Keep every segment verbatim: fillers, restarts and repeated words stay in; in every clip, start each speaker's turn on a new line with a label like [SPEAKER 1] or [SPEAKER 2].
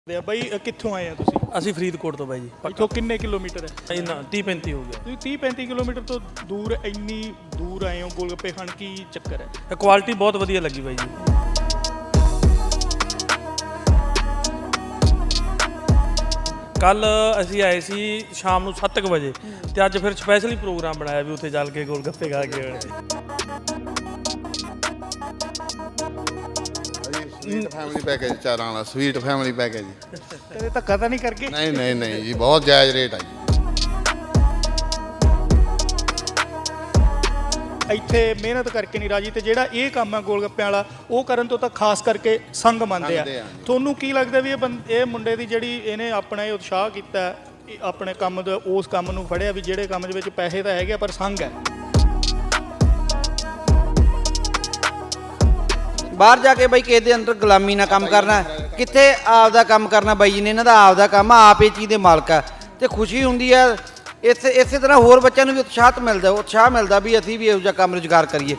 [SPEAKER 1] ਬਾਈ ਕਿੱਥੋਂ ਆਏ ਆ ਤੁਸੀਂ?
[SPEAKER 2] ਅਸੀਂ ਫਰੀਦਕੋਟ ਤੋਂ ਬਾਈ ਜੀ।
[SPEAKER 1] ਇੱਥੋਂ ਕਿੰਨੇ ਕਿਲੋਮੀਟਰ ਹੈ?
[SPEAKER 2] ਇੰਨਾ ਤੀਹ ਪੈਂਤੀ ਹੋ ਗਿਆ।
[SPEAKER 1] ਤੁਸੀਂ ਤੀਹ ਪੈਂਤੀ ਕਿਲੋਮੀਟਰ ਤੋਂ ਦੂਰ ਇੰਨੀ ਦੂਰ ਆਏ ਹੋ ਗੋਲਗੱਪੇ ਖਾਣ, ਕੀ ਚੱਕਰ ਹੈ?
[SPEAKER 2] ਇਹ ਕੁਆਲਿਟੀ ਬਹੁਤ ਵਧੀਆ ਲੱਗੀ ਬਾਈ ਜੀ। ਕੱਲ ਅਸੀਂ ਆਏ ਸੀ ਸ਼ਾਮ ਨੂੰ ਸੱਤ ਕੁ ਵਜੇ ਤੇ ਅੱਜ ਫਿਰ ਸਪੈਸ਼ਲੀ ਪ੍ਰੋਗਰਾਮ ਬਣਾਇਆ ਵੀ ਉੱਥੇ ਚੱਲ ਕੇ ਗੋਲਗੱਪੇ ਖਾ ਕੇ ਆਉਣੇ।
[SPEAKER 3] ਸਵੀਟ ਫੈਮਿਲੀ ਪੈਕੇਜ ਚਾਰਾਂ ਵਾਲਾ ਸਵੀਟ ਫੈਮਿਲੀ ਪੈਕੇਜ ਜੀ।
[SPEAKER 1] ਕਦੇ ਧੱਕਾ ਤਾਂ ਨਹੀਂ ਕਰਕੇ?
[SPEAKER 3] ਨਹੀਂ ਨਹੀਂ ਨਹੀਂ ਜੀ, ਬਹੁਤ ਜਾਇਜ਼ ਰੇਟ ਆ ਜੀ।
[SPEAKER 1] ਇੱਥੇ ਮਿਹਨਤ ਕਰਕੇ ਨਹੀਂ ਰਾਜੀ, ਤੇ ਜਿਹੜਾ ਇਹ ਕੰਮ ਹੈ ਗੋਲਗੱਪਿਆਂ ਵਾਲਾ ਉਹ ਕਰਨ ਤੋਂ ਤਾਂ ਖਾਸ ਕਰਕੇ ਸੰਗ ਮੰਨਦੇ ਆ। ਤੁਹਾਨੂੰ ਕੀ ਲੱਗਦਾ ਵੀ ਇਹ ਬੰਦ ਇਹ ਮੁੰਡੇ ਦੀ ਜਿਹੜੀ ਇਹਨੇ ਆਪਣਾ ਇਹ ਉਤਸ਼ਾਹ ਕੀਤਾ, ਇਹ ਆਪਣੇ ਕੰਮ ਦਾ ਉਸ ਕੰਮ ਨੂੰ ਫੜਿਆ ਵੀ ਜਿਹੜੇ ਕੰਮ ਦੇ ਵਿੱਚ ਪੈਸੇ ਤਾਂ ਹੈਗੇ ਪਰ ਸੰਗ ਹੈ?
[SPEAKER 4] ਬਾਹਰ ਜਾ ਕੇ ਬਾਈ ਕਿਸੇ ਦੇ ਅੰਦਰ ਗੁਲਾਮੀ ਨਾਲ ਕੰਮ ਕਰਨਾ, ਕਿੱਥੇ ਆਪਦਾ ਕੰਮ ਕਰਨਾ। ਬਾਈ ਜੀ ਨੇ ਇਹਨਾਂ ਦਾ ਆਪਦਾ ਕੰਮ ਆ, ਆਪ ਇਹ ਚੀਜ਼ ਦੇ ਮਾਲਕ ਆ ਤੇ ਖੁਸ਼ੀ ਹੁੰਦੀ ਆ। ਇਸੇ ਇਸੇ ਤਰ੍ਹਾਂ ਹੋਰ ਬੱਚਿਆਂ ਨੂੰ ਵੀ ਉਤਸ਼ਾਹ ਮਿਲਦਾ ਉਤਸ਼ਾਹ ਮਿਲਦਾ ਵੀ ਅਸੀਂ ਵੀ ਇਹੋ ਜਿਹਾ ਕੰਮ ਰੁਜ਼ਗਾਰ ਕਰੀਏ।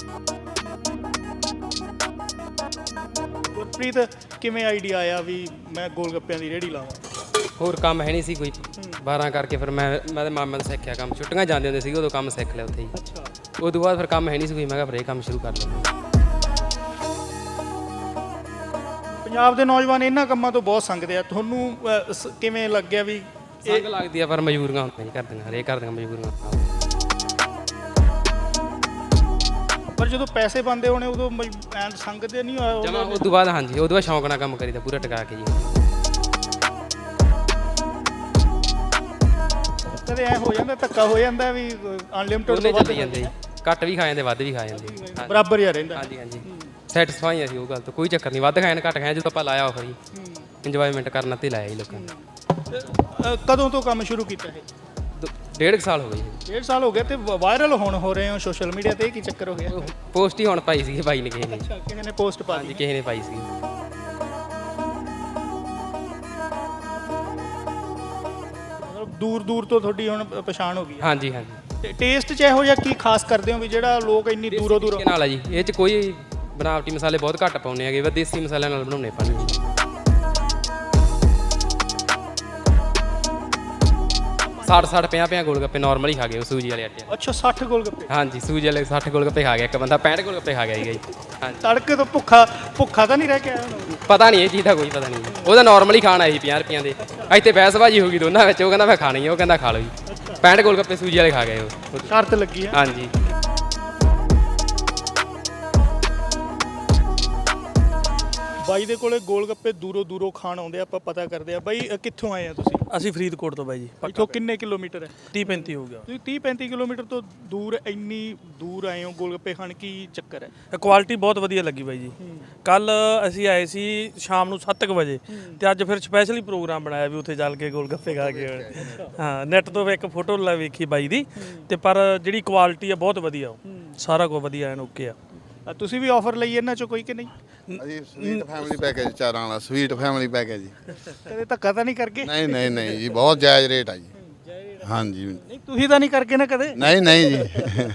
[SPEAKER 1] ਗੁਰਪ੍ਰੀਤ, ਕਿਵੇਂ ਆਈਡੀਆ ਆਇਆ ਵੀ ਮੈਂ ਗੋਲਗੱਪਿਆਂ ਦੀ ਰੇਹੜੀ ਲਾਵਾਂ?
[SPEAKER 5] ਹੋਰ ਕੰਮ ਹੈ ਨਹੀਂ ਸੀ ਕੋਈ, ਬਾਰਾਂ ਕਰਕੇ ਫਿਰ ਮੈਂ ਮੈਂ ਤੇ ਮਾਮਾ ਤੋਂ ਸਿੱਖਿਆ ਕੰਮ। ਛੁੱਟੀਆਂ ਜਾਂਦੇ ਹੁੰਦੇ ਸੀ ਉਦੋਂ ਕੰਮ ਸਿੱਖ ਲਿਆ ਉੱਥੇ ਹੀ।
[SPEAKER 1] ਅੱਛਾ।
[SPEAKER 5] ਉਦੋਂ ਬਾਅਦ ਫਿਰ ਕੰਮ ਹੈ ਨਹੀਂ ਸੀ ਕੋਈ, ਮੈਂ ਕਿਹਾ ਫਿਰ ਇਹ ਕੰਮ ਸ਼ੁਰੂ ਕਰ ਲਵਾਂ।
[SPEAKER 1] ਪੰਜਾਬ ਦੇ ਨੌਜਵਾਨ ਇਹਨਾਂ ਕੰਮਾਂ ਤੋਂ ਬਹੁਤ ਸੰਗਦੇ ਆ, ਤੁਹਾਨੂੰ ਅਹ, ਸ- ਕਿਵੇਂ ਲੱਗਿਆ ਵੀ
[SPEAKER 5] ਸੰਗ ਲੱਗਦੀ ਆ ਪਰ ਮਜਬੂਰੀਆਂ ਹੁੰਦੀਆਂ ਨਹੀਂ ਕਰਦੀਆਂ, ਹਰੇਕ ਕਰਦੀਆਂ ਮਜਬੂਰੀਆਂ।
[SPEAKER 1] ਪਰ ਜਦੋਂ ਪੈਸੇ ਬੰਦੇ ਹੋਣੇ ਉਦੋਂ ਐਂ ਸੰਗਦੇ ਨਹੀਂ ਹੋਇਆ?
[SPEAKER 5] ਜਮਾ ਉਦੋਂ ਬਾਅਦ ਹਾਂਜੀ, ਉਦੋਂ ਬਾਅਦ ਸ਼ੌਂਕ ਨਾਲ ਕੰਮ ਕਰੀਦਾ ਪੂਰਾ ਟਿਕਾ ਕੇ ਜੀ।
[SPEAKER 1] ਕਦੇ ਐ ਹੋ ਜਾਂਦਾ, ਧੱਕਾ ਹੋ ਜਾਂਦਾ ਵੀ ਅਨਲਿਮਟਿਡ
[SPEAKER 5] ਉਹਨੇ
[SPEAKER 1] ਤੋਂ ਵੱਧ
[SPEAKER 5] ਚੱਲੀ ਜਾਂਦੇ, ਘੱਟ ਵੀ ਖਾ ਜਾਂਦੇ ਵੱਧ ਵੀ ਖਾ ਜਾਂਦੇ।
[SPEAKER 1] ਬਰਾਬਰ ਹੀ ਰਹਿੰਦਾ?
[SPEAKER 5] ਹਾਂਜੀ ਹਾਂਜੀ, ਸੈਟਿਸਫਾਈ ਅਸੀਂ ਉਹ ਗੱਲ ਤੋਂ, ਕੋਈ ਚੱਕਰ ਨਹੀਂ। ਵੱਧ ਖਾਣ ਘੱਟ ਖਾਣ, ਜਦੋਂ ਆਪਾਂ ਲਾਇਆ ਆਫਰ ਜੀ ਇੰਜੋਇਮੈਂਟ ਕਰਨ ਤੇ ਲਾਇਆ ਜੀ ਲੋਕਾਂ ਨੇ।
[SPEAKER 1] ਅਹ, ਕਦੋਂ ਤੋਂ ਕੰਮ ਸ਼ੁਰੂ ਕੀਤਾ ਹੈ?
[SPEAKER 5] ਦੋ- ਡੇਢ ਕੁ ਸਾਲ ਹੋ ਗਏ ਜੀ।
[SPEAKER 1] ਡੇਢ ਸਾਲ ਹੋ ਗਿਆ ਤੇ ਵਾਇਰਲ ਹੁਣ ਹੋ ਰਹੇ ਹੋ ਸੋਸ਼ਲ ਮੀਡੀਆ ਤੇ, ਇਹ ਕੀ ਚੱਕਰ ਹੋ ਗਿਆ?
[SPEAKER 5] ਪੋਸਟ ਹੀ ਹੁਣ ਪਾਈ ਸੀ ਬਾਈ ਨੇ ਕਿਸੇ ਨੇ।
[SPEAKER 1] ਅੱਛਾ, ਕਿਸੇ ਨੇ ਪੋਸਟ ਪਾ
[SPEAKER 5] ਹਾਂਜੀ
[SPEAKER 1] ਦਿੱਤੀ?
[SPEAKER 5] ਕਿਸੇ ਨੇ ਪਾਈ ਸੀ।
[SPEAKER 1] ਮਤਲਬ ਦੂਰ ਦੂਰ ਤੋਂ ਤੁਹਾਡੀ ਹੁਣ ਪ- ਪਛਾਣ ਹੋ ਗਈ ਹੈ।
[SPEAKER 5] ਹਾਂਜੀ ਹਾਂਜੀ,
[SPEAKER 1] ਤੇ ਟੇਸਟ 'ਚ ਇਹੋ ਜਿਹਾ ਕੀ ਖਾਸ ਕਰਦੇ ਹੋ ਵੀ ਜਿਹੜਾ ਲੋਕ ਇੰਨੀ ਦੂਰੋਂ ਦੂਰੋਂ?
[SPEAKER 5] ਤਰੀਕੇ ਨਾਲ ਆ ਜੀ, ਇਹ 'ਚ ਕੋਈ ਬਣਾਵਟੀ ਮਸਾਲੇ ਬਹੁਤ ਘੱਟ ਪਾਉਂਦੇ ਹੈਗੇ, ਬਸ ਦੇਸੀ ਮਸਾਲਿਆਂ ਨਾਲ ਬਣਾਉਣੇ ਪਾਣੀ। ਸੱਠ ਸੱਠ ਪੰਜਾਹ ਪੰਜਾਹ ਗੋਲ ਗੱਪੇ ਨਾਰਮਲ ਹੀ ਖਾ ਗਏ ਉਹ ਸੂਜੀ ਵਾਲੇ ਆਟੇ।
[SPEAKER 1] ਅੱਛਾ, ਸੱਠ ਗੋਲਗੱਪੇ?
[SPEAKER 5] ਹਾਂਜੀ, ਸੂਜੀ ਵਾਲੇ ਸੱਠ ਗੋਲ ਗੱਪੇ ਖਾ ਗਿਆ ਇੱਕ ਬੰਦਾ, ਪੈਂਹਠ ਗੋਲ ਗੱਪੇ ਖਾ ਗਿਆ ਸੀਗਾ ਜੀ। ਹਾਂਜੀ,
[SPEAKER 1] ਤੜਕੇ ਤੋਂ ਭੁੱਖਾ ਭੁੱਖਾ ਤਾਂ ਨਹੀਂ ਰਹਿ ਕੇ ਆਇਆ ਹੁਣ?
[SPEAKER 5] ਪਤਾ ਨਹੀਂ ਇਹ ਚੀਜ਼ ਦਾ ਕੋਈ ਪਤਾ ਨਹੀਂ, ਉਹਦਾ ਨਾਰਮਲ ਹੀ ਖਾਣਾ ਸੀ ਪੰਜਾਹ ਰੁਪਈਆਂ ਦੇ। ਇੱਥੇ ਬਹਿਸਬਾਜੀ ਹੋ ਗਈ ਦੋਨਾਂ ਵਿੱਚ, ਉਹ ਕਹਿੰਦਾ ਮੈਂ ਖਾਣੀ ਹੈ, ਉਹ ਕਹਿੰਦਾ ਖਾ ਲਓ ਜੀ। ਪੈਂਹਠ ਗੋਲ ਗੱਪੇ ਸੂਜੀ ਵਾਲੇ ਖਾ ਗਏ ਉਹ।
[SPEAKER 1] ਸ਼ਰਤ ਲੱਗੀ ਹੈ?
[SPEAKER 5] ਹਾਂਜੀ।
[SPEAKER 1] ਬਾਈ ਦੇ ਕੋਲੇ ਗੋਲਗੱਪੇ ਦੂਰੋਂ ਦੂਰੋਂ ਖਾਣ ਆਉਂਦੇ ਆ, ਆਪਾਂ ਪਤਾ ਕਰਦੇ ਆ। ਬਾਈ ਅ, ਕਿੱਥੋਂ ਆਏ ਆ ਤੁਸੀਂ?
[SPEAKER 2] ਅਸੀਂ ਫਰੀਦਕੋਟ ਤੋਂ ਬਾਈ ਜੀ।
[SPEAKER 1] ਇੱਥੋਂ ਕਿੰਨੇ ਕਿਲੋਮੀਟਰ ਹੈ?
[SPEAKER 2] ਤੀਹ ਪੈਂਤੀ ਹੋ ਗਿਆ।
[SPEAKER 1] ਤੁਸੀਂ ਤੀਹ ਪੈਂਤੀ ਕਿਲੋਮੀਟਰ ਤੋਂ ਦੂਰ ਇੰਨੀ ਦੂਰ ਆਏ ਹੋ ਗੋਲਗੱਪੇ ਖਾਣ, ਕੀ ਚੱਕਰ ਹੈ?
[SPEAKER 2] ਇਹ ਕੁਆਲਿਟੀ ਬਹੁਤ ਵਧੀਆ ਲੱਗੀ ਬਾਈ ਜੀ। ਕੱਲ ਅਸੀਂ ਆਏ ਸੀ ਸ਼ਾਮ ਨੂੰ ਸੱਤ ਕੁ ਵਜੇ ਤੇ ਅੱਜ ਫਿਰ ਸਪੈਸ਼ਲੀ ਪ੍ਰੋਗਰਾਮ ਬਣਾਇਆ ਵੀ ਉੱਥੇ ਚੱਲ ਕੇ ਗੋਲਗੱਪੇ ਖਾ ਕੇ ਆਉਣੇ। ਹਾਂ, ਨੈਟ ਤੋਂ ਇੱਕ ਫੋਟੋ ਲਾ ਵੇਖੀ ਬਾਈ ਦੀ, ਤੇ ਪਰ ਜਿਹੜੀ ਕੁਆਲਿਟੀ ਆ ਬਹੁਤ ਵਧੀਆ, ਉਹ ਸਾਰਾ ਕੁਝ ਵਧੀਆ ਐਨ ਓਕੇ ਆ।
[SPEAKER 1] ਅ, ਤੁਸੀਂ ਵੀ ਆਫਰ ਲਈ ਇਹਨਾਂ ਚੋਂ ਕੋਈ ਕਿ ਨਹੀਂ?
[SPEAKER 3] ਅਸੀਂ ਸਵੀਟ ਫੈਮਿਲੀ ਪੈਕੇਜ ਚਾਰਾਂ ਵਾਲਾ ਸਵੀਟ ਫੈਮਿਲੀ ਪੈਕੇਜ ਜੀ।
[SPEAKER 1] ਕਦੇ ਧੱਕਾ ਤਾਂ ਨਹੀਂ ਕਰਕੇ?
[SPEAKER 3] ਨਹੀਂ ਨਹੀਂ ਨਹੀਂ ਜੀ, ਬਹੁਤ ਜਾਇਜ਼ ਰੇਟ ਆ ਜੀ। ਹਾਂਜੀ।
[SPEAKER 1] ਨਹੀਂ, ਤੁਸੀਂ ਤਾਂ ਨਹੀਂ ਕਰਕੇ ਨਾ ਕਦੇ?
[SPEAKER 3] ਨਹੀਂ ਨਹੀਂ ਜੀ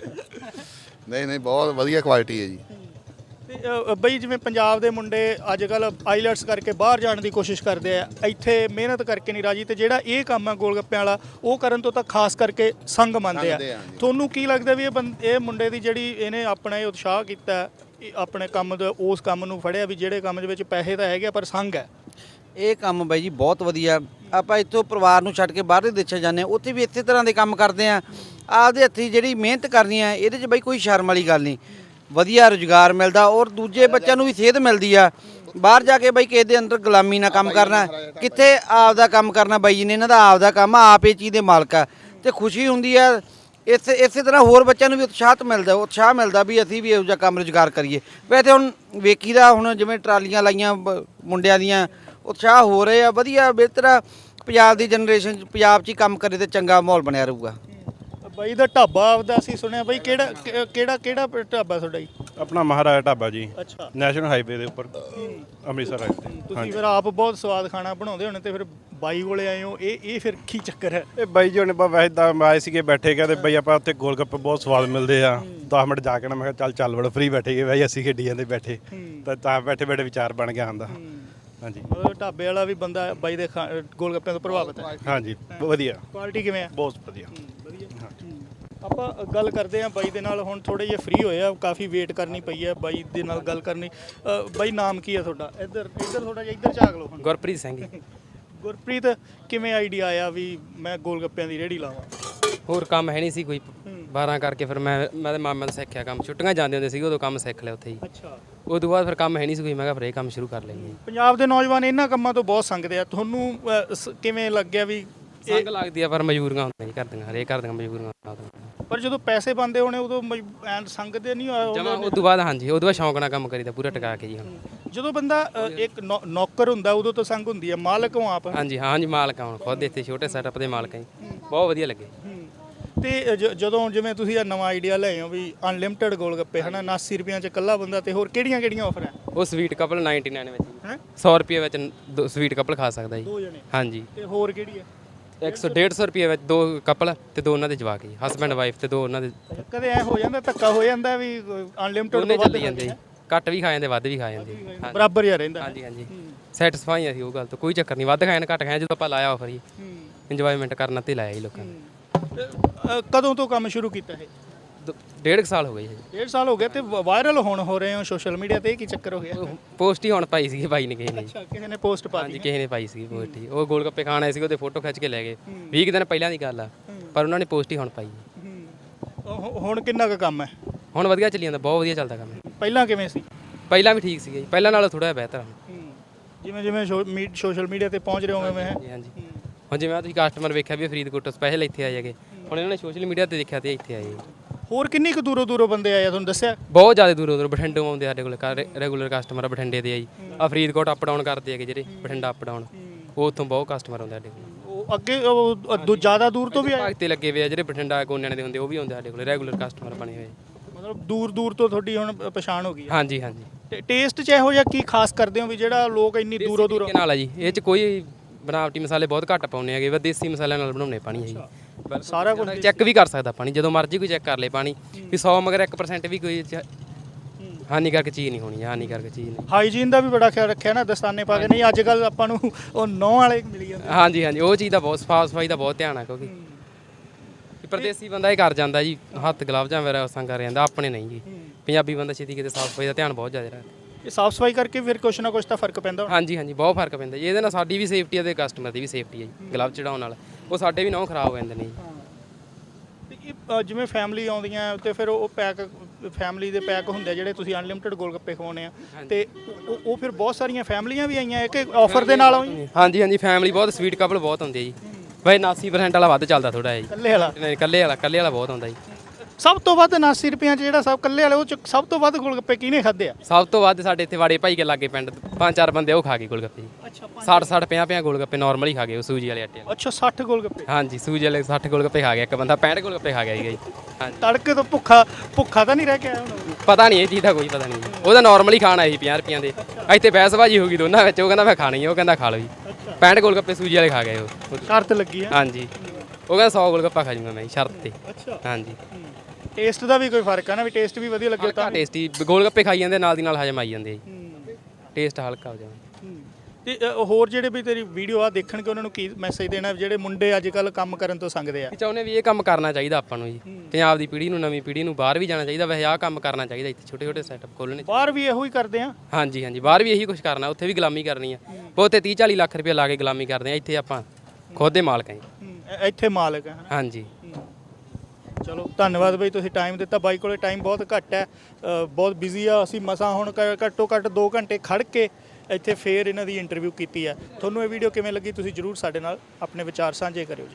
[SPEAKER 3] ਨਹੀਂ ਨਹੀਂ, ਬਹੁਤ ਵਧੀਆ ਕੁਆਲਿਟੀ ਹੈ ਜੀ।
[SPEAKER 1] ਤੇ ਅ, ਬਈ ਜਿਵੇਂ ਪੰਜਾਬ ਦੇ ਮੁੰਡੇ ਅੱਜ ਕੱਲ ਆਈਲੈਟਸ ਕਰਕੇ ਬਾਹਰ ਜਾਣ ਦੀ ਕੋਸ਼ਿਸ਼ ਕਰਦੇ ਆ, ਇੱਥੇ ਮਿਹਨਤ ਕਰਕੇ ਨਹੀਂ ਰਾਜੀ, ਤੇ ਜਿਹੜਾ ਇਹ ਕੰਮ ਹੈ ਗੋਲਗੱਪਿਆਂ ਵਾਲਾ ਉਹ ਕਰਨ ਤੋਂ ਤਾਂ ਖਾਸ ਕਰਕੇ ਸੰਗ ਮੰਨਦੇ ਆ।
[SPEAKER 3] ਮੰਨਦੇ ਆ ਜੀ।
[SPEAKER 1] ਤੁਹਾਨੂੰ ਕੀ ਲੱਗਦਾ ਵੀ ਇਹ ਬੰਦ ਇਹ ਮੁੰਡੇ ਦੀ ਜਿਹੜੀ ਇਹਨੇ ਆਪਣਾ ਇਹ ਉਤਸ਼ਾਹ ਕੀਤਾ, ਇਹ ਆਪਣੇ ਕੰਮ ਦਾ ਉਸ ਕੰਮ ਨੂੰ ਫੜਿਆ ਵੀ ਜਿਹੜੇ ਕੰਮ ਦੇ ਵਿੱਚ ਪੈਸੇ ਤਾਂ ਹੈਗੇ ਪਰ ਸੰਗ ਹੈ?
[SPEAKER 4] ਇਹ ਕੰਮ ਬਾਈ ਜੀ ਬਹੁਤ ਵਧੀਆ। ਆਪਾਂ ਇੱਥੋਂ ਪਰਿਵਾਰ ਨੂੰ ਛੱਡ ਕੇ ਬਾਹਰਲੇ ਦੇਸ਼ਾਂ ਜਾਂਦੇ ਹਾਂ, ਉੱਥੇ ਵੀ ਇਸੇ ਤਰ੍ਹਾਂ ਦੇ ਕੰਮ ਕਰਦੇ ਆ। ਆਪਦੇ ਹੱਥੀਂ ਜਿਹੜੀ ਮਿਹਨਤ ਕਰਨੀ ਆ, ਇਹਦੇ 'ਚ ਬਾਈ ਕੋਈ ਸ਼ਰਮ ਵਾਲੀ ਗੱਲ ਨਹੀਂ। ਵਧੀਆ ਰੁਜ਼ਗਾਰ ਮਿਲਦਾ ਔਰ ਦੂਜੇ ਬੱਚਿਆਂ ਨੂੰ ਵੀ ਸੇਧ ਮਿਲਦੀ ਆ। ਬਾਹਰ ਜਾ ਕੇ ਬਾਈ ਕਿਸੇ ਦੇ ਅੰਦਰ ਗੁਲਾਮੀ ਨਾਲ ਕੰਮ ਕਰਨਾ, ਕਿੱਥੇ ਆਪਦਾ ਕੰਮ ਕਰਨਾ। ਬਾਈ ਜੀ ਨੇ ਇਹਨਾਂ ਦਾ ਆਪਦਾ ਕੰਮ ਆ, ਆਪ ਇਹ ਚੀਜ਼ ਦੇ ਮਾਲਕ ਆ ਤੇ ਖੁਸ਼ੀ ਹੁੰਦੀ ਆ। ਇਸੇ ਇਸੇ ਤਰ੍ਹਾਂ ਹੋਰ ਬੱਚਿਆਂ ਨੂੰ ਵੀ ਉਤਸ਼ਾਹ ਮਿਲਦਾ ਉਤਸ਼ਾਹ ਮਿਲਦਾ ਵੀ ਅਸੀਂ ਵੀ ਇਹੋ ਜਿਹਾ ਕੰਮ ਰੁਜ਼ਗਾਰ ਕਰੀਏ। ਵੈਸੇ ਹੁਣ ਵੇਖੀਦਾ, ਹੁਣ ਜਿਵੇਂ ਟਰਾਲੀਆਂ ਲਾਈਆਂ ਬ- ਮੁੰਡਿਆਂ ਦੀਆਂ, ਉਤਸ਼ਾਹ ਹੋ ਰਹੇ ਆ, ਵਧੀਆ ਬਿਹਤਰ ਆ। ਪੰਜਾਬ ਦੀ ਜਨਰੇਸ਼ਨ 'ਚ ਪੰਜਾਬ 'ਚ ਹੀ ਕੰਮ ਕਰੇ ਤੇ ਚੰਗਾ ਮਾਹੌਲ ਬਣਿਆ ਰਹੂਗਾ।
[SPEAKER 1] ਬਾਈ ਦਾ ਢਾਬਾ ਆਪਦਾ ਅਸੀਂ ਸੁਣਿਆ, ਬਾਈ ਕਿਹੜਾ ਕਿ- ਕਿਹੜਾ ਕਿਹੜਾ ਢਾਬਾ ਤੁਹਾਡਾ ਜੀ?
[SPEAKER 6] ਆਪਣਾ ਮਹਾਰਾਜਾ ਢਾਬਾ ਜੀ,
[SPEAKER 1] ਅੱਛਾ।
[SPEAKER 6] ਨੈਸ਼ਨਲ ਹਾਈਵੇ ਦੇ ਉੱਪਰ ਅੰਮ੍ਰਿਤਸਰ ਆਏ ਤੇ।
[SPEAKER 1] ਤੁਸੀਂ ਫਿਰ ਆਪ ਬਹੁਤ ਸਵਾਦ ਖਾਣਾ ਬਣਾਉਂਦੇ ਹੋਣੇ, ਤੇ ਫਿਰ ਬਾਈ ਕੋਲੇ ਆਏ ਹੋ, ਇਹ ਇਹ ਫਿਰ ਕੀ ਚੱਕਰ ਹੈ?
[SPEAKER 6] ਇਹ ਬਾਈ ਜੀ ਨੇ ਬਾ ਵੈਸੇ ਤਾਂ ਆਏ ਸੀਗੇ, ਬੈਠੇ ਕਹਿੰਦੇ ਬਈ ਆਪਾਂ ਉੱਥੇ ਗੋਲ ਗੱਪੇ ਬਹੁਤ ਸਵਾਦ ਮਿਲਦੇ ਆ, ਦਸ ਮਿੰਟ ਜਾ ਕੇ ਨਾ ਮੈਂ ਕਿਹਾ ਚੱਲ ਚੱਲ ਵੜੋ, ਫ੍ਰੀ ਬੈਠੇ ਗਏ ਬਾਈ, ਅਸੀਂ ਖੇਡੀ ਜਾਂਦੇ ਬੈਠੇ ਤਾਂ ਤਾਂ ਬੈਠੇ ਬੈਠੇ ਵਿਚਾਰ ਬਣ ਗਿਆ ਹੁੰਦਾ। ਹਾਂਜੀ
[SPEAKER 1] ਮਤਲਬ ਢਾਬੇ ਵਾਲਾ ਵੀ ਬੰਦਾ ਬਾਈ ਦੇ ਖਾ- ਗੋਲ ਗੱਪਿਆਂ ਤੋਂ ਪ੍ਰਭਾਵਿਤ ਹੈ।
[SPEAKER 6] ਹਾਂਜੀ ਵਧੀਆ
[SPEAKER 1] ਕੁਆਲਿਟੀ ਕਿਵੇਂ ਆ?
[SPEAKER 6] ਬਹੁਤ ਵਧੀਆ
[SPEAKER 1] ਵਧੀਆ। ਆਪਾਂ ਗੱਲ ਕਰਦੇ ਹਾਂ ਬਾਈ ਦੇ ਨਾਲ, ਹੁਣ ਥੋੜੇ ਜਿਹਾ ਫ੍ਰੀ ਹੋਏ ਆ, ਕਾਫੀ ਵੇਟ ਕਰਨੀ ਪਈ ਹੈ ਬਾਈ ਦੇ ਨਾਲ ਗੱਲ ਕਰਨੀ। ਅ, ਬਾਈ ਨਾਮ ਕੀ ਹੈ ਤੁਹਾਡਾ? ਇੱਧਰ ਇੱਧਰ ਥੋੜਾ ਜਿਹਾ ਇੱਧਰ ਝਾਕ ਲਓ ਹੁਣ।
[SPEAKER 5] ਗੁਰਪ੍ਰੀਤ ਸਿੰਘ ਜੀ।
[SPEAKER 1] ਗੁਰਪ੍ਰੀਤ, ਕਿਵੇਂ ਆਈਡੀਆ ਆਇਆ ਵੀ ਮੈਂ ਗੋਲ ਗੱਪਿਆਂ ਦੀ ਰੇਹੜੀ ਲਾਵਾਂ?
[SPEAKER 5] ਹੋਰ ਕੰਮ ਹੈ ਨਹੀਂ ਸੀ ਕੋਈ, ਬਾਰਾਂ ਕਰਕੇ ਫਿਰ ਮੈਂ ਮੈਂ ਤੇ ਮਾਮੇ ਤੋਂ ਸਿੱਖਿਆ ਕੰਮ। ਛੁੱਟੀਆਂ ਜਾਂਦੇ ਹੁੰਦੇ ਸੀ ਉਦੋਂ ਕੰਮ ਸਿੱਖ ਲਿਆ ਉੱਥੇ ਹੀ।
[SPEAKER 1] ਅੱਛਾ।
[SPEAKER 5] ਉਸ ਤੋਂ ਬਾਅਦ ਫਿਰ ਕੰਮ ਹੈ ਨਹੀਂ ਸੀ ਕੋਈ, ਮੈਂ ਕਿਹਾ ਫਿਰ ਇਹ ਕੰਮ ਸ਼ੁਰੂ ਕਰ ਲੈਂਦੇ।
[SPEAKER 1] ਪੰਜਾਬ ਦੇ ਨੌਜਵਾਨ ਇਹਨਾਂ ਕੰਮਾਂ ਤੋਂ ਬਹੁਤ ਸੰਗਦੇ ਆ, ਤੁਹਾਨੂੰ ਅ, ਸ- ਕਿਵੇਂ ਲੱਗਿਆ ਵੀ
[SPEAKER 5] ਸੰਗ ਲੱਗਦੀ ਆ ਪਰ ਮਜਬੂਰੀਆਂ ਹੁੰਦੀਆਂ ਜੀ ਕਰਦੀਆਂ, ਹਰੇਕ ਕਰਦੀਆਂ ਮਜਬੂਰੀਆਂ ਹੁੰਦੀਆਂ।
[SPEAKER 1] ਪਰ ਜਦੋਂ ਪੈਸੇ ਬੰਦੇ ਹੋਣੇ ਉਦੋਂ ਮਜ- ਐਨ ਸੰਗਦੇ ਨਹੀਂ ਹੋਇਆ
[SPEAKER 5] ਜਮਾ ਉਸ ਤੋਂ ਬਾਅਦ ਹਾਂਜੀ, ਉਸ ਤੋਂ ਬਾਅਦ ਸ਼ੌਂਕ ਨਾਲ ਕੰਮ ਕਰੀਦਾ ਪੂਰਾ ਟਿਕਾ ਕੇ ਜੀ ਹੁਣ।
[SPEAKER 1] ਜਦੋਂ ਬੰਦਾ ਅ, ਇੱਕ ਨੌ- ਨੌਕਰ ਹੁੰਦਾ ਉਦੋਂ ਤਾਂ ਸੰਗ ਹੁੰਦੀ ਹੈ, ਮਾਲਕ ਹੋ ਆਪ।
[SPEAKER 5] ਹਾਂਜੀ ਹਾਂ ਹਾਂਜੀ, ਮਾਲਕ ਆ ਹੁਣ ਖੁਦ ਇੱਥੇ ਛੋਟੇ ਸੈਟਅਪ ਦੇ ਮਾਲਕ ਆ ਜੀ। ਬਹੁਤ ਵਧੀਆ ਲੱਗੇ।
[SPEAKER 1] ਤੇ ਜ- ਜਦੋਂ ਜਿਵੇਂ ਤੁਸੀਂ ਇਹ ਨਵਾਂ ਆਈਡੀਆ ਲਏ ਹੋ ਵੀ ਅਨਲਿਮਿਟਿਡ ਗੋਲ ਗੱਪੇ ਹਨਾ, ਉਨਾਸੀ ਰੁਪਈਆਂ ਚ ਇਕੱਲਾ ਬੰਦਾ, ਤੇ ਹੋਰ ਕਿਹੜੀਆਂ ਕਿਹੜੀਆਂ ਆਫਰ ਹੈ?
[SPEAKER 5] ਉਹ ਸਵੀਟ ਕਪਲ ਨਿਨਆਨਵੇਂ ਵਿੱਚ ਜੀ।
[SPEAKER 1] ਹੈ
[SPEAKER 5] ਸੌ ਰੁਪਏ ਵਿੱਚ ਦੋ ਸਵੀਟ ਕਪਲ ਖਾ ਸਕਦਾ ਜੀ।
[SPEAKER 1] ਦੋ ਜਣੇ।
[SPEAKER 5] ਹਾਂਜੀ
[SPEAKER 1] ਤੇ ਹੋਰ ਕਿਹੜੀ ਹੈ?
[SPEAKER 5] ਇੱਕ ਸੌ ਡੇਢ ਸੌ ਰੁਪਏ ਵਿੱਚ ਦੋ ਕਪਲ ਤੇ ਦੋ ਉਹਨਾਂ ਦੇ ਜਵਾਕ ਜੀ, ਹਸਬੈਂਡ ਵਾਈਫ ਤੇ ਦੋ ਉਹਨਾਂ ਦੇ।
[SPEAKER 1] ਕਦੇ ਐ ਹੋ ਜਾਂਦਾ, ਧੱਕਾ ਹੋ ਜਾਂਦਾ ਵੀ ਅਨਲਿਮਿਟਿਡ
[SPEAKER 5] ਦੋਨੇ
[SPEAKER 1] ਤੋਂ ਵੱਧ
[SPEAKER 5] ਚੱਲੀ ਜਾਂਦੇ ਜੀ, ਘੱਟ ਵੀ ਖਾ ਜਾਂਦੇ ਵੱਧ ਵੀ ਖਾ ਜਾਂਦੇ ਜੀ। ਹਾਂਜੀ
[SPEAKER 1] ਬਰਾਬਰ ਹੀ ਰਹਿੰਦਾ।
[SPEAKER 5] ਹਾਂਜੀ ਹਾਂਜੀ ਸੈਟੀਸਫਾਈ ਅਸੀਂ ਉਹ ਗੱਲ ਤੋਂ, ਕੋਈ ਚੱਕਰ ਨਹੀਂ, ਵੱਧ ਖਾਣ ਘੱਟ ਖਾਣ, ਜਦੋਂ ਆਪਾਂ ਲਾਇਆ ਆਫਰ ਜੀ ਇੰਜੋਇਮੈਂਟ ਕਰਨ ਤੇ ਲਾਇਆ ਜੀ ਲੋਕਾਂ ਨੇ।
[SPEAKER 1] ਤੇ, ਅ, ਕਦੋਂ ਤੋਂ ਕੰਮ ਸ਼ੁਰੂ ਕੀਤਾ ਇਹ?
[SPEAKER 5] ਦੋ- ਡੇਢ ਕੁ ਸਾਲ ਹੋ ਗਏ ਜੀ।
[SPEAKER 1] ਡੇਢ ਸਾਲ ਹੋ ਗਿਆ ਤੇ ਵਾਇਰਲ ਹੁਣ ਹੋ ਰਹੇ ਹੋ ਸੋਸ਼ਲ ਮੀਡੀਆ ਤੇ, ਇਹ ਕੀ ਚੱਕਰ ਹੋ ਗਿਆ?
[SPEAKER 5] ਪੋਸਟ ਹੀ ਹੁਣ ਪਾਈ ਸੀ ਬਾਈ ਨੇ ਕਿਸੇ ਨੇ ਜੀ।
[SPEAKER 1] ਅੱਛਾ, ਕਿਸੇ ਨੇ ਪੋਸਟ ਪਾ
[SPEAKER 5] ਹਾਂਜੀ
[SPEAKER 1] ਦਿੱਤੀ।
[SPEAKER 5] ਕਿਸੇ ਨੇ ਪਾਈ ਸੀ ਪੋਸਟ ਹੀ, ਉਹ ਗੋਲ ਗੱਪੇ ਖਾਣ ਆਏ ਸੀ, ਉਹਦੇ ਫੋਟੋ ਖਿੱਚ ਕੇ ਲੈ ਗਏ। ਵੀਹ ਕੁ ਦਿਨ ਪਹਿਲਾਂ ਦੀ ਗੱਲ ਆ, ਪਰ ਉਹਨਾਂ ਨੇ ਪੋਸਟ ਹੀ ਹੁਣ ਪਾਈ ਜੀ।
[SPEAKER 1] ਹੂੰ। ਉਹ- ਹੁਣ ਕਿੰਨਾ ਕੁ ਕੰਮ ਹੈ?
[SPEAKER 5] ਹੁਣ ਵਧੀਆ ਚੱਲੀ ਜਾਂਦਾ, ਬਹੁਤ ਵਧੀਆ ਚੱਲਦਾ ਕੰਮ।
[SPEAKER 1] ਪਹਿਲਾਂ ਕਿਵੇਂ ਸੀ?
[SPEAKER 5] ਪਹਿਲਾਂ ਵੀ ਠੀਕ ਸੀਗਾ ਜੀ, ਪਹਿਲਾਂ ਨਾਲੋਂ ਥੋੜਾ ਬਿਹਤਰ।
[SPEAKER 1] ਜਿਵੇਂ ਜਿਵੇਂ ਸੋਸ਼ਲ ਮੀਡੀਆ ਤੇ ਪਹੁੰਚ ਰਹੇ ਹੋਗੇ ਮੈਂ
[SPEAKER 5] ਹਾਂਜੀ ਹਾਂਜੀ ਹੁਣ ਜਿਵੇਂ ਆਹ ਤੁਸੀਂ ਕਸਟਮਰ ਵੇਖਿਆ ਵੀ ਫਰੀਦਕੋਟ ਤੋਂ ਸਪੈਸ਼ਲ ਇੱਥੇ ਆਏ ਹੈਗੇ, ਹੁਣ ਇਹਨਾਂ ਨੇ ਸੋਸ਼ਲ ਮੀਡੀਆ ਤੇ ਦੇਖਿਆ ਤੇ ਇੱਥੇ ਆਏ ਜੀ।
[SPEAKER 1] ਹੋਰ ਕਿੰਨੀ ਕੁ ਦੂਰੋਂ ਦੂਰੋਂ ਬੰਦੇ ਆਏ ਆ, ਤੁਹਾਨੂੰ ਦੱਸਿਆ?
[SPEAKER 5] ਬਹੁਤ ਜ਼ਿਆਦਾ ਦੂਰੋਂ ਦੂਰੋਂ ਬਠਿੰਡੋਂ ਆਉਂਦੇ ਸਾਡੇ ਕੋਲ, ਰੈਗੂਲਰ ਕਸਟਮਰ ਆ ਬਠਿੰਡੇ ਦੇ ਆ ਜੀ। ਆ ਫਰੀਦਕੋਟ ਅਪ ਡਾਊਨ ਕਰਦੇ ਹੈਗੇ ਜਿਹੜੇ, ਬਠਿੰਡਾ ਅਪ ਡਾਊਨ, ਉਹ ਉੱਥੋਂ ਬਹੁਤ ਕਸਟਮਰ ਆਉਂਦੇ ਸਾਡੇ ਕੋਲ।
[SPEAKER 1] ਉਹ ਅੱਗੇ ਉਹ ਦੂ- ਜ਼ਿਆਦਾ ਦੂਰ ਤੋਂ ਵੀ ਆਏ?
[SPEAKER 5] ਭਾਗ ਤੇ ਲੱਗੇ ਹੋਏ ਆ ਜਿਹੜੇ ਬਠਿੰਡਾ ਕੋਨਿਆਂ ਦੇ ਹੁੰਦੇ, ਉਹ ਵੀ ਆਉਂਦੇ ਸਾਡੇ ਕੋਲ, ਰੈਗੂਲਰ ਕਸਟਮਰ ਬਣੇ ਹੋਏ।
[SPEAKER 1] ਮਤਲਬ ਦੂਰ ਦੂਰ ਤੋਂ ਤੁਹਾਡੀ ਹੁਣ ਪਛਾਣ ਹੋ ਗਈ ਹੈ।
[SPEAKER 5] ਹਾਂਜੀ ਹਾਂਜੀ
[SPEAKER 1] ਤੇ ਟੇਸਟ ਚ ਇਹੋ ਜਿਹਾ ਕੀ ਖਾਸ ਕਰਦੇ ਹੋ ਵੀ ਜਿਹੜਾ ਲੋਕ ਇੰਨੀ ਦੂਰੋਂ ਦੂਰੋਂ?
[SPEAKER 5] ਤਰੀਕੇ ਨਾਲ ਆ ਜੀ, ਇਹ ਚ ਕੋਈ ਬਣਾਵਟੀ ਮਸਾਲੇ ਬਹੁਤ ਘੱਟ ਪਾਉਂਦੇ ਹੈਗੇ, ਬਸ ਦੇਸੀ ਮਸਾਲਿਆਂ ਨਾਲ ਬਣਾਉਣੇ ਪਾਣੀ ਹੈ ਜੀ।
[SPEAKER 1] ਸਾਰਾ ਕੁਝ
[SPEAKER 5] ਚੈੱਕ ਵੀ ਕਰ ਸਕਦਾ ਪਾਣੀ, ਜਦੋਂ ਮਰਜ਼ੀ ਕੋਈ ਚੈੱਕ ਕਰ ਲੇ ਪਾਣੀ ਵੀ ਸੌ ਮਗਰ ਇੱਕ ਪਰਸੈਂਟ ਵੀ ਕੋਈ ਚ- ਹਾਨੀਕਾਰਕ ਚੀਜ਼ ਨਹੀਂ ਹੋਣੀ, ਹਾਨੀਕਾਰਕ ਚੀਜ਼ ਨਹੀਂ।
[SPEAKER 1] ਹਾਈਜੀਨ ਦਾ ਵੀ ਬੜਾ ਖਿਆਲ ਰੱਖਿਆ ਨਾ, ਦਸਤਾਨੇ ਪਾ ਕੇ? ਨਹੀਂ ਅੱਜ ਕੱਲ ਆਪਾਂ ਨੂੰ ਉਹ ਨੌ ਵਾਲੇ ਮਿਲ ਜਾਂਦੇ।
[SPEAKER 5] ਹਾਂਜੀ ਹਾਂਜੀ ਉਹ ਚੀਜ਼ ਦਾ ਬਹੁਤ, ਸਾਫ ਸਫਾਈ ਦਾ ਬਹੁਤ ਧਿਆਨ ਆ, ਕਿਉਂਕਿ ਕਿ ਪਰਦੇਸੀ ਬੰਦਾ ਇਹ ਕਰ ਜਾਂਦਾ ਜੀ, ਹੱਥ ਗਲਵ ਜਾਂ ਮੇਰਾ ਉਸਾਂ ਕਰ ਜਾਂਦਾ, ਆਪਣੇ ਨਹੀਂ ਜੀ। ਪੰਜਾਬੀ ਬੰਦਾ ਛੇਤੀ ਕਿਤੇ ਸਾਫ ਸਫਾਈ ਦਾ ਧਿਆਨ ਬਹੁਤ ਜ਼ਿਆਦਾ ਰੱਖਦਾ।
[SPEAKER 1] ਇਹ ਸਾਫ ਸਫਾਈ ਕਰਕੇ ਫਿਰ ਕੁਛ ਨਾ ਕੁਛ ਤਾਂ ਫਰਕ ਪੈਂਦਾ ਹੋਣਾ।
[SPEAKER 5] ਹਾਂਜੀ ਹਾਂਜੀ ਬਹੁਤ ਫਰਕ ਪੈਂਦਾ ਜੀ, ਇਹਦੇ ਨਾਲ ਸਾਡੀ ਵੀ ਸੇਫਟੀ ਹੈ ਤੇ ਕਸਟਮਰ ਦੀ ਵੀ ਸੇਫਟੀ ਹੈ ਜੀ। ਗਲਵ ਚੜਾਉਣ ਨਾਲ ਉਹ ਸਾਡੇ ਵੀ ਨਹੁੰ ਖਰਾਬ ਹੋ ਜਾਂਦੇ ਨੇ ਜੀ।
[SPEAKER 1] ਤੇ ਇਹ, ਅ, ਜਿਵੇਂ ਫੈਮਿਲੀ ਆਉਂਦੀਆਂ ਤੇ ਫਿਰ ਉਹ ਪੈਕ, ਫੈਮਿਲੀ ਦੇ ਪੈਕ ਹੁੰਦੇ ਆ ਜਿਹੜੇ ਤੁਸੀਂ ਅਨਲਿਮਿਟਿਡ ਗੋਲ ਗੱਪੇ ਖਵਾਉਣੇ ਆ, ਤੇ ਉਹ ਉਹ ਫਿਰ ਬਹੁਤ ਸਾਰੀਆਂ ਫੈਮਲੀਆਂ ਵੀ ਆਈਆਂ ਇੱਕ ਆਫਰ ਦੇ ਨਾਲ ਆਈਆਂ?
[SPEAKER 5] ਹਾਂਜੀ ਹਾਂਜੀ ਫੈਮਿਲੀ ਬਹੁਤ, ਸਵੀਟ ਕਪਲ ਬਹੁਤ ਹੁੰਦੇ ਜੀ। ਬਾਈ ਉਨਾਸੀ ਪਰਸੈਂਟ ਵਾਲਾ ਵੱਧ ਚੱਲਦਾ ਥੋੜਾ ਜੀ।
[SPEAKER 1] ਇਕੱਲੇ ਵਾਲਾ?
[SPEAKER 5] ਨਹੀਂ ਇਕੱਲੇ ਵਾਲਾ, ਇਕੱਲੇ ਵਾਲਾ ਬਹੁਤ ਹੁੰਦਾ ਜੀ।
[SPEAKER 1] ਸਭ ਤੋਂ ਵੱਧ ਉਨਾਸੀ ਰੁਪਈਆਂ ਚ ਜਿਹੜਾ ਸਭ ਇਕੱਲੇ ਵਾਲੇ, ਉਹ ਚ ਸਭ ਤੋਂ ਵੱਧ ਗੋਲ ਗੱਪੇ ਕਿਹਨੇ ਖਾਦੇ ਆ?
[SPEAKER 5] ਸਭ ਤੋਂ ਵੱਧ ਸਾਡੇ ਇੱਥੇ ਵਾੜੇ ਭਾਈ ਕੇ ਲਾਗੇ ਪਿੰਡ ਪੰਜ ਚਾਰ ਬੰਦੇ ਉਹ ਖਾ ਗਏ ਗੋਲ ਗੱਪੇ ਜੀ।
[SPEAKER 1] ਅੱਛਾ
[SPEAKER 5] ਸੱਠ ਸੱਠ ਪੰਜਾਹ ਪੰਜਾਹ ਗੋਲ ਗੱਪੇ ਨਾਰਮਲ ਹੀ ਖਾ ਗਏ, ਉਹ ਸੂਜੀ ਵਾਲੇ ਆਟੇ ਵਾਲੇ।
[SPEAKER 1] ਅੱਛਾ ਸੱਠ ਗੋਲ ਗੱਪੇ?
[SPEAKER 5] ਹਾਂਜੀ ਸੂਜੀ ਵਾਲੇ ਸੱਠ ਗੋਲ ਗੱਪੇ ਖਾ ਗਿਆ ਇੱਕ ਬੰਦਾ, ਪੈਂਹਠ ਗੋਲ ਗੱਪੇ ਖਾ ਗਿਆ ਸੀਗਾ ਜੀ। ਹਾਂਜੀ
[SPEAKER 1] ਤੜਕੇ ਤੋਂ ਭੁੱਖਾ ਭੁੱਖਾ ਤਾਂ ਨਹੀਂ ਰਹਿ ਕੇ ਆਇਆ ਹੁਣ?
[SPEAKER 5] ਪਤਾ ਨਹੀਂ ਇਹ ਚੀਜ਼ ਦਾ ਕੋਈ ਪਤਾ ਨਹੀਂ ਜੀ। ਉਹਦਾ ਨਾਰਮਲ ਹੀ ਖਾਣਾ ਸੀ ਪੰਜਾਹ ਰੁਪਈਆਂ ਦੇ, ਇੱਥੇ ਬਹਿਸਬਾਜੀ ਹੋ ਗਈ ਦੋਨਾਂ ਵਿੱਚ, ਉਹ ਕਹਿੰਦਾ ਮੈਂ ਖਾਣੀ ਹੈ, ਉਹ ਕਹਿੰਦਾ ਖਾ ਲਓ ਜੀ। ਪੈਂਹਠ ਗੋਲ ਗੱਪੇ ਸੂਜੀ ਵਾਲੇ ਖਾ ਗਏ ਉਹ।
[SPEAKER 1] ਸ਼ਰਤ ਲੱਗੀ ਆ?
[SPEAKER 5] ਹਾਂਜੀ ਉਹ ਕਹਿੰਦਾ ਸੌ ਗੋਲ ਗੱਪਾ ਖਾ ਜੂੰਗਾ ਮੈਂ ਜੀ, ਸ਼ਰਤ ਤੇ।
[SPEAKER 1] ਅੱਛਾ।
[SPEAKER 5] ਹਾਂਜੀ
[SPEAKER 1] ਟੇਸਟ ਦਾ ਵੀ ਕੋਈ ਫਰਕ ਆ ਨਾ, ਵੀ ਟੇਸਟ ਵੀ ਵਧੀਆ ਲੱਗੇ
[SPEAKER 5] ਹਲਕਾ ਟੇਸਟੀ, ਗੋਲ ਗੱਪੇ ਖਾਈ ਜਾਂਦੇ ਨਾਲ ਦੀ ਨਾਲ ਹਜਮ ਆਈ ਜਾਂਦੇ ਜੀ, ਟੇਸਟ ਹਲਕਾ ਹੋ ਜਾਂਦਾ।
[SPEAKER 1] ਤੇ ਅ, ਹੋਰ ਜਿਹੜੇ ਵੀ ਤੇਰੀ ਵੀਡੀਓ ਆ ਦੇਖਣਗੇ ਉਹਨਾਂ ਨੂੰ ਕੀ ਮੈਸੇਜ ਦੇਣਾ, ਜਿਹੜੇ ਮੁੰਡੇ ਅੱਜ ਕੱਲ ਕੰਮ ਕਰਨ ਤੋਂ ਸੰਗਦੇ ਆ?
[SPEAKER 5] ਅਸੀਂ ਚਾਹੁੰਦੇ ਵੀ ਇਹ ਕੰਮ ਕਰਨਾ ਚਾਹੀਦਾ ਆਪਾਂ ਨੂੰ ਜੀ, ਪੰਜਾਬ ਦੀ ਪੀੜ੍ਹੀ ਨੂੰ, ਨਵੀਂ ਪੀੜ੍ਹੀ ਨੂੰ ਬਾਹਰ ਵੀ ਜਾਣਾ ਚਾਹੀਦਾ, ਵੈਸੇ ਆਹ ਕੰਮ ਕਰਨਾ ਚਾਹੀਦਾ, ਇੱਥੇ ਛੋਟੇ ਛੋਟੇ ਸੈਟਅਪ ਖੋਲ੍ਹਣੇ।
[SPEAKER 1] ਬਾਹਰ ਵੀ ਇਹੋ ਹੀ ਕਰਦੇ ਆ?
[SPEAKER 5] ਹਾਂਜੀ ਹਾਂਜੀ ਬਾਹਰ ਵੀ ਇਹੀ ਕੁਝ ਕਰਨਾ, ਉੱਥੇ ਵੀ ਗੁਲਾਮੀ ਕਰਨੀ ਆ, ਬਹੁਤੇ ਤੀਹ ਚਾਲੀ ਲੱਖ ਰੁਪਏ ਲਾ ਕੇ ਗੁਲਾਮੀ ਕਰਦੇ ਆ, ਇੱਥੇ ਆਪਾਂ ਖੁਦ ਦੇ ਮਾਲਕ ਆ ਜੀ।
[SPEAKER 1] ਹੂੰ, ਇ- ਇੱਥੇ ਮਾਲਕ ਆ ਹਨਾ?
[SPEAKER 5] ਹਾਂਜੀ
[SPEAKER 1] ਚਲੋ ਧੰਨਵਾਦ ਬਈ, ਤੁਸੀਂ ਟਾਈਮ ਦਿੱਤਾ। ਬਾਈ ਕੋਲੇ ਟਾਈਮ ਬਹੁਤ ਘੱਟ ਹੈ, ਅ, ਬਹੁਤ ਬਿਜ਼ੀ ਆ। ਅਸੀਂ ਮਸਾਂ ਹੁਣ ਘ- ਘੱਟੋ ਘੱਟ ਦੋ ਘੰਟੇ ਖੜ ਕੇ ਇੱਥੇ ਫੇਰ ਇਹਨਾਂ ਦੀ ਇੰਟਰਵਿਊ ਕੀਤੀ ਹੈ। ਤੁਹਾਨੂੰ ਇਹ ਵੀਡੀਓ ਕਿਵੇਂ ਲੱਗੀ ਤੁਸੀਂ ਜਰੂਰ ਸਾਡੇ ਨਾਲ ਆਪਣੇ ਵਿਚਾਰ ਸਾਂਝੇ ਕਰਿਓ ਜੀ।